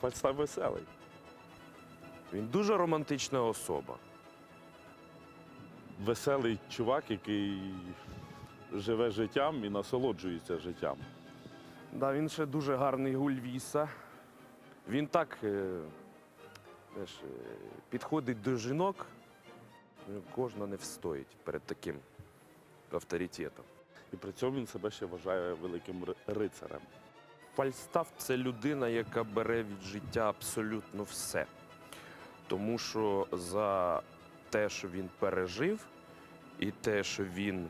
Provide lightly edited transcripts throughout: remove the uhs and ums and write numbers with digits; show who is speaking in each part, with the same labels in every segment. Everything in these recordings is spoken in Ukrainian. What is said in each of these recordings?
Speaker 1: Фальстаф веселий.
Speaker 2: Він дуже романтична особа.
Speaker 1: Веселий чувак, який живе життям і насолоджується життям.
Speaker 2: Да, він ще дуже гарний гульвіса. Він так знаєш, підходить до жінок, кожна не встоїть перед таким авторитетом.
Speaker 1: І при цьому він себе ще вважає великим рицарем.
Speaker 2: Фальстаф – це людина, яка бере від життя абсолютно все. Тому що за те, що він пережив, і те, що він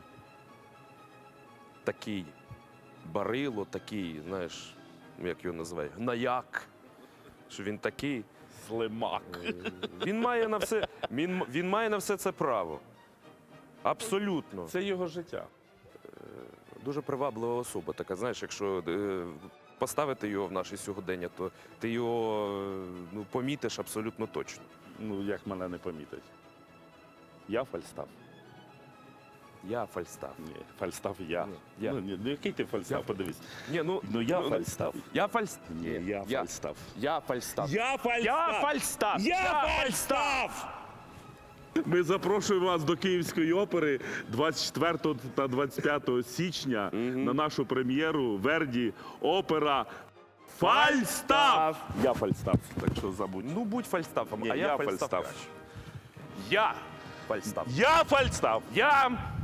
Speaker 2: такий барило, такий, знаєш, як його називають, гнаяк, що він такий,
Speaker 1: Слимак.
Speaker 2: він має на все це право. Абсолютно.
Speaker 1: Це його життя.
Speaker 2: Дуже приваблива особа така, знаєш, якщо поставити його в наше сьогодення, то ти його помітиш абсолютно точно.
Speaker 1: Ну, як мене не помітить. Я Фальстаф.
Speaker 2: Я Фальстаф.
Speaker 1: Ні, Фальстаф я.
Speaker 2: Ні, я.
Speaker 1: Ну, який ти Фальстаф, подивись.
Speaker 2: Ні,
Speaker 1: Ну, я Фальстаф.
Speaker 2: Я Фальстаф.
Speaker 1: Ні, я Фальстаф.
Speaker 2: Я Фальстаф.
Speaker 1: Я Фальстаф!
Speaker 2: Я Фальстаф.
Speaker 1: Я Фальстаф! Ми запрошуємо вас до Київської опери 24 та 25 січня на нашу прем'єру Верді опера Фальстаф! Я Фальстаф, так що забудь.
Speaker 2: Ну, будь Фальстафом,
Speaker 1: Ні,
Speaker 2: а
Speaker 1: я
Speaker 2: я Фальстаф.
Speaker 1: Фальстаф.
Speaker 2: краще. Я Фальстаф.
Speaker 1: Я Фальстаф!
Speaker 2: Я